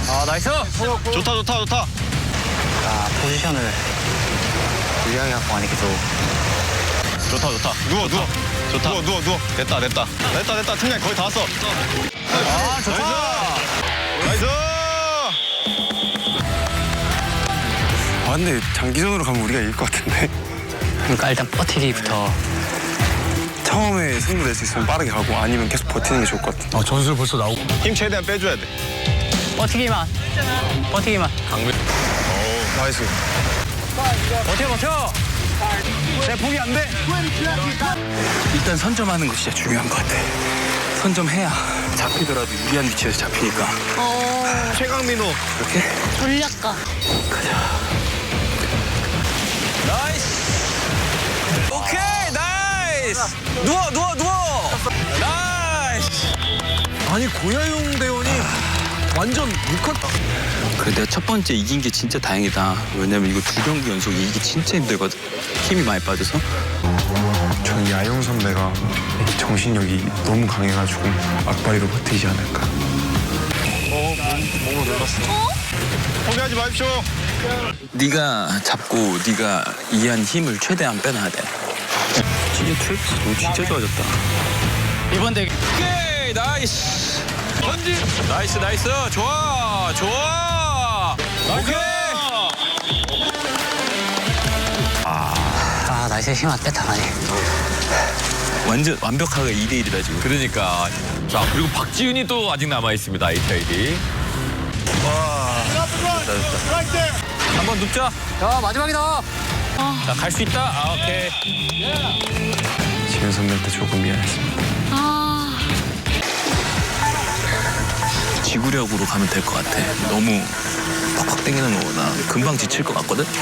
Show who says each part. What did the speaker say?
Speaker 1: 아, 나이스!
Speaker 2: 좋다, 좋다, 좋다.
Speaker 1: 자, 포지션을 유리하게 갖고 가니 계속.
Speaker 2: 좋다, 좋다. 누워, 누워. 좋다. 누워. 됐다. 팀장 거의 다 왔어.
Speaker 1: 아, 좋다!
Speaker 2: 나이스!
Speaker 3: 아 근데 장기전으로 가면 우리가 이길 것 같은데.
Speaker 1: 그러니까 일단 버티기부터.
Speaker 3: 처음에 승부 낼 수 있으면 빠르게 가고 아니면 계속 버티는 게 좋을 것 같아.
Speaker 4: 전술 벌써 나오고.
Speaker 2: 힘 최대한 빼줘야 돼.
Speaker 1: 버티기만.
Speaker 3: 나이스.
Speaker 1: 버텨!
Speaker 3: 내 포기 안 돼. 일단 선점하는 거 진짜 중요한 것 같아. 선점해야 잡히더라도 유리한 위치에서 잡히니까.
Speaker 2: 최강민호.
Speaker 3: 이렇게.
Speaker 5: 전략가.
Speaker 1: 오케이, 나이스! 누워! 나이스!
Speaker 4: 아니 고야용 대원이 완전 묵었다.
Speaker 6: 그래 내가 첫 번째 이긴 게 진짜 다행이다. 왜냐면 이거 2경기 연속 이기기 진짜 힘들거든. 힘이 많이 빠져서.
Speaker 3: 전 야영 선배가 정신력이 너무 강해가지고 악바리로 버티지 않을까.
Speaker 2: 몸으로 놀랐어. 포기하지 마십시오.
Speaker 6: 네가 잡고 네가 이해한 힘을 최대한 빼놔야 돼. 진짜 트랙스 너 진짜 좋아졌다.
Speaker 1: 이번 대기.
Speaker 6: 오케이 나이스. 전진. 나이스 좋아. 오케이.
Speaker 1: 아, 나이스 힘 안 뺐다, 많이.
Speaker 6: 완전 완벽하게 2대1이다 지금.
Speaker 7: 그러니까. 자, 그리고 박지윤이 또 아직 남아있습니다, HID.
Speaker 6: 한번 눕자.
Speaker 1: 야, 마지막이다!
Speaker 6: 자, 갈 수 있다. 아, 오케이.
Speaker 3: 지현 선배한테 조금 미안했습니다.
Speaker 5: 아.
Speaker 6: 지구력으로 가면 될 것 같아. 너무 팍팍 땡기는 거보다 금방 지칠 것 같거든.